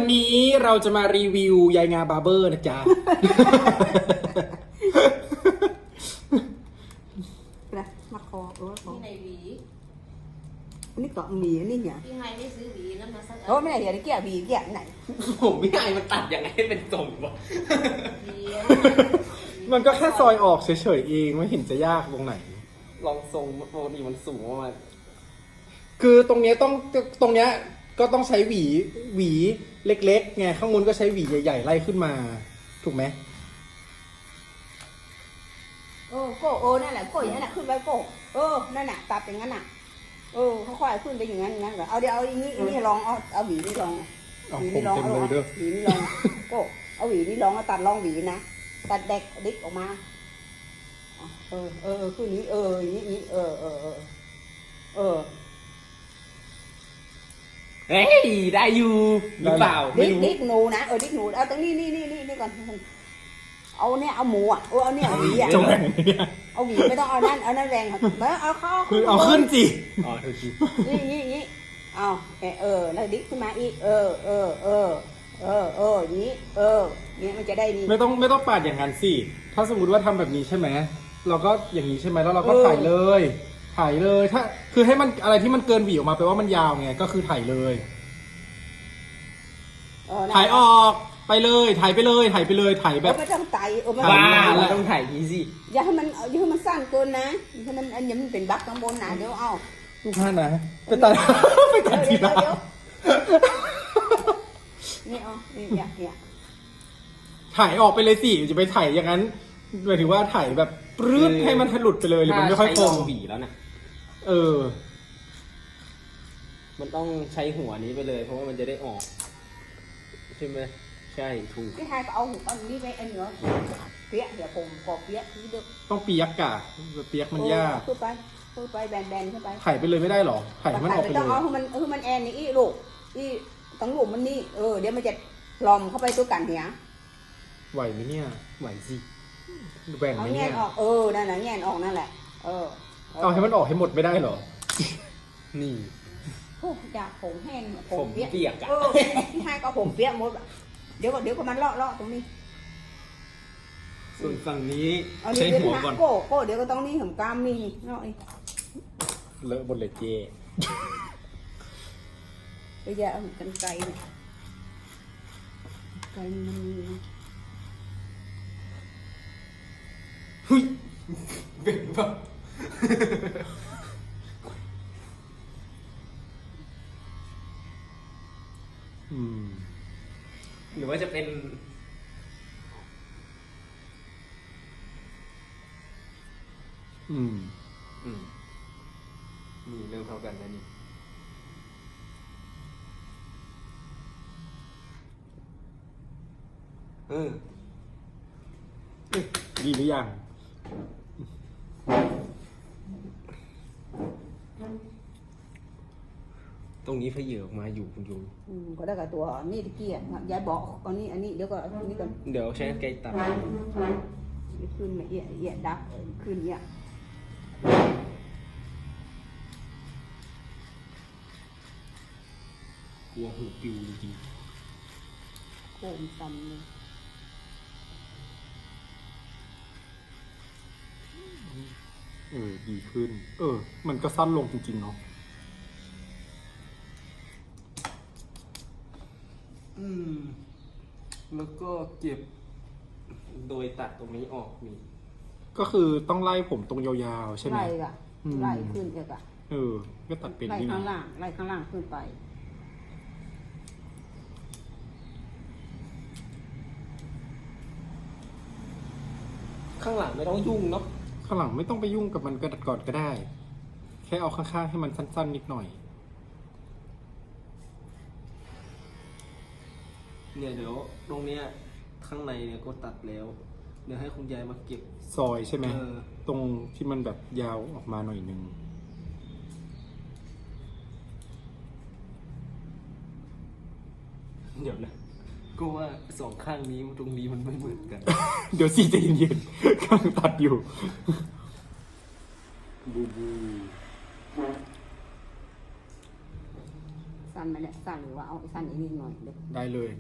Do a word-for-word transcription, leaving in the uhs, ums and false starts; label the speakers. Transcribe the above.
Speaker 1: นี้เราจะมารีวิวยายงาบาร์เบอร์นะจ๊ะ
Speaker 2: นะมาคอเออคอ
Speaker 3: ที่ในหวี
Speaker 2: อันนี้เกาะหมีอันนี้เนี่ย
Speaker 3: พี่ไฮได้ซื้อหวีนั้นมาสัก
Speaker 2: โอ้ไม่ได้เดี๋ยวนี้เกี่ยบีเกี่ยไหน
Speaker 4: ผมไม่ได้มันตัดยังไงให้เป็นทรงวะ
Speaker 3: หวี
Speaker 1: มันก็แค่ซอยออกเฉยๆเองไม่เห็นจะยากตรงไหน
Speaker 4: ลองทรงปกติมันสูงประมาณ
Speaker 1: คือตรงเนี้ยต้องตรงเนี้ยก็ต้องใช้หวีหวีเล็กๆไงข้างบนก็ใช้หวีใหญ่ๆไล่ขึ้นมา ถูกไหม
Speaker 2: เออโก้เออนั่นแหละโก้อย่างนั้นแหละขึ้นไปโก้เออนั่นน่ะตัดอย่างนั้นน่ะเออเขาค่อยขึ้นไปอย่างนั้นอย่างนั้นเหรอเอาเดี๋ยวเอาอย่างนี้อันนี้ลองเอาเอาหวีนี่ลอง
Speaker 1: เอา
Speaker 2: หวี
Speaker 1: ผม
Speaker 2: นี่ลอง
Speaker 1: เต็ม
Speaker 2: เอา
Speaker 1: เลยเด้อ
Speaker 2: หวีนี่ลองโก้เอาหวีนี่ลองเอาตัดลองหวีนะตัดเด็กดิกออกมาเออเออขึ้นนี้เอออย่างนี้เออเออเออเออ
Speaker 4: เฮ้ยได้อยู่หรือเปล่าไม่
Speaker 2: ดิก
Speaker 4: รู้
Speaker 2: ดิกหนูนะเออดิกหนูเอาตรงนี้นี่นี่นี่นี่ก่อนเอาเนี่ยเอาหมูอ่ะเออเอาเนี่ยหวีอ่ะ
Speaker 1: จะแหว่งไหมเนี่ย
Speaker 2: เอาหวีไม่ต้องเอานั่นเอานั่นแรงครับเออเอาเข้า
Speaker 1: คือเอาขึ้นสิ
Speaker 4: อ๋อถูกที
Speaker 2: นี่นี่นี่เอาเออเออแล้วดิกขึ้นมาอีกเออเออเออเออเอออย่างนี้เออเนี่ยมันจะได้นี่
Speaker 1: ไม่ต้องไม่ต้องปาดอย่างนั้นสิถ้าสมมติว่าทำแบบนี้ใช่ไหมเราก็อย่างนี้ใช่ไหมแล้วเราก็
Speaker 2: เออ
Speaker 1: ถ่ายเลยถ่ายเลยถ้าคือให้มันอะไรที่มันเกินหวีออกมาแปลว่ามันยาวไงก็คือถ่ายเลย
Speaker 2: เออนะ
Speaker 1: ถ่ายออกไปเลยถ่ายไปเลยถ่ายไปเลยถ่าย
Speaker 2: เอ
Speaker 1: แบ
Speaker 2: อบ ไม่ต้องไตเออไม่
Speaker 4: บ้า
Speaker 2: ต้อง
Speaker 4: เราต้องถ่ายนี้สิ
Speaker 2: อย่าให้มันอย่าให้มันสั้นเกินนะถ้ามันอันนี้มันเป็นบั๊กข้างบนนะเดี๋ยวเอา
Speaker 1: ลูกค้านะไปตัด ไปตัดที
Speaker 2: เดี๋ยว
Speaker 1: ละ
Speaker 2: เดี๋ยวนี่เอานี่เนี่ยเนี่ย
Speaker 1: ถ่ายออกไปเลยสิจะไปถ่ายอย่างนั้นหมายถึงว่าถ่ายแบบปรื้ดให้มันหลุดไปเลยหรือมันไม่ค่อย
Speaker 4: ถ้า
Speaker 1: ค
Speaker 4: ใช้
Speaker 1: ง
Speaker 4: ลองหวีแล้วนะ
Speaker 1: เออ
Speaker 4: มันต้องใช้หัวนี้ไปเลย เพราะว่ามันจะได้ออกใช่ไหมใช่ถูก
Speaker 2: พี่ไทยก็เอาหูเอานี่ไปอันเหนือเปียกเดี๋ยวผมขอเปียกที่เด็ก
Speaker 1: ต้องเปียกกะเปียกมันยาก
Speaker 2: ขึ้นไปขึ้นไปแบนๆขึ้นไป
Speaker 1: ถ่ายไปเลยไม่ได้หรอถ่ายให้มันออกไป
Speaker 2: ไม่
Speaker 1: เล
Speaker 2: ต้องเอา
Speaker 1: ย
Speaker 2: ให้มันให้มันแอนนี่อีลูกอีตั้งหลุมมันนี่เออเดี๋ยวมันจะลอมเข้าไปตัวกันเหีย
Speaker 1: ไหวไหมเนี่ยไหวสิแหว่ง
Speaker 2: เอา
Speaker 1: ไหม
Speaker 2: แง
Speaker 1: เนี่ย
Speaker 2: นออกเออนั่นแหละแงนออกนั่นแหละเออ
Speaker 1: เอาให้มันออกให้หมดไม่ได้หรอ
Speaker 4: นี่
Speaker 2: โอ้อยากผมแห้ง
Speaker 4: ผมเปียกอะ
Speaker 2: เออพี่ไทยก็ผมเปียกหมดเดี๋ยวก็เดี๋ยวก็มันเลาะเลาะตรงนี้
Speaker 4: ส่วนฝั่งนี้
Speaker 2: เอา
Speaker 4: ใช้
Speaker 2: นี่เดี๋ยว
Speaker 4: หัว
Speaker 2: นะ
Speaker 4: ก่อน
Speaker 2: โก้โก้เดี๋ยวก็ต้องนี่ผมกามนี่เนาะ
Speaker 1: เลอะบนเลยเจ
Speaker 2: ไปแย่เอากันไกลเนี่ยไกลมันมี
Speaker 4: หุ้ยเป็นปะ
Speaker 1: อืม
Speaker 4: หรือว่าจะเป็น
Speaker 1: อืม
Speaker 4: อืมนี่เริ่มเท่ากันแล้วนี่เออ
Speaker 1: ดีหรือยัง
Speaker 4: ตรงนี้เพเยอออกมาอยู่คุณยู
Speaker 2: อืมก็ได้กับตัวนี่ตะเกียบยายบอกเอานี่อันนี้เดี๋ยวก็อันนี้ก่อน
Speaker 4: เดี๋ยวใช้ไกลตัด
Speaker 2: ขึ้นมาเอียเอียดักขึ้นเนี่ย
Speaker 4: กลัวหูปิวจริง
Speaker 2: โคมซ้ำเลย
Speaker 1: เออดีขึ้น เออ มันก็สั้นลงจริงๆเนาะ
Speaker 4: อืม แล้วก็เก็บ โดยตัดตรงนี้ออกมี
Speaker 1: ก็คือต้องไล่ผมตรงยาวๆใช่ไหม
Speaker 2: ไล่กะ
Speaker 1: อืม
Speaker 2: ไล่ขึ้นเอกอะ
Speaker 1: เออ ก็ตัดเป็น
Speaker 2: ไล่
Speaker 1: นี่
Speaker 2: ข้าง
Speaker 1: นะ
Speaker 2: ล่างไล่ข้างล่างขึ้นไป
Speaker 4: ข้างหลังไม่ต้องยุ่งเนาะ
Speaker 1: ข้างหลังไม่ต้องไปยุ่งกับมันกระดัดก่อนก็ได้ แค่เอาข้างๆให้มันสั้นๆนิดหน่อย
Speaker 4: เนี่ยเดี๋ยวตรงเนี้ยข้างในเนี่ยก็ตัดแล้ว เดี๋ยวให้คุณยายมาเก็บ
Speaker 1: ซอยใช่ไหม
Speaker 4: เออ
Speaker 1: ตรงที่มันแบบยาวออกมาหน่อยนึง
Speaker 4: เดี๋ยวนะ ก็ว่าสองข้างนี้ตรงนี้มันไม่เหมือนกัน
Speaker 1: เดี๋ยวสิใจะเย็นๆกำลังตัดอยู่
Speaker 4: บูบู
Speaker 2: สั้นไหมเนี่ยสั้นหรือว่าเอาสั้นอีกนิดหน่อยเดี๋ยว
Speaker 1: ได้เลย